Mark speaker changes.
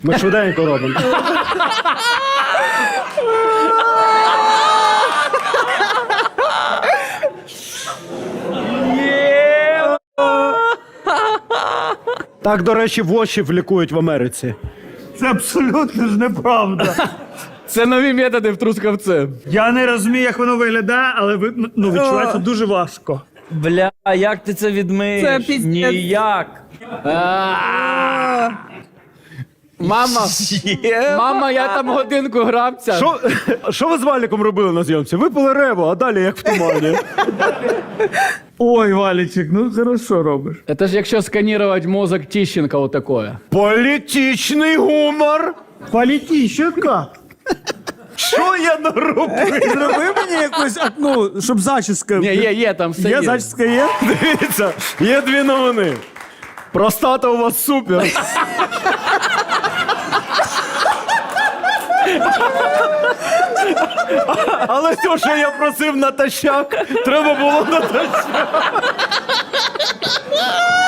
Speaker 1: Ми швиденько робимо. Так, до речі, вошів лікують в Америці.
Speaker 2: Це абсолютно ж неправда.
Speaker 3: Це нові методи в Трускавці.
Speaker 2: Я не розумію, як воно виглядає, але відчувається дуже важко.
Speaker 4: Бля, як ти це відмиєш?
Speaker 5: Це піздець.
Speaker 4: Ніяк.
Speaker 3: Мама, я там годинку грабця.
Speaker 1: Що ви з Валіком робили на зйомці? Випили реву, а далі як в тумані.
Speaker 2: Ой, Валічик, ну хорошо робиш.
Speaker 3: Это ж якщо сканувати мозок Тищенка вот такое.
Speaker 1: Політичний гумор.
Speaker 2: Політічка.
Speaker 1: Що я наробив?
Speaker 2: Зроби мені якусь, щоб зачіска.
Speaker 3: Ні, є, там все
Speaker 2: Є зачіска є?
Speaker 1: Дивіться, є дві новини. Простата у вас супер. Але те, що я просив натощак, треба було натощак.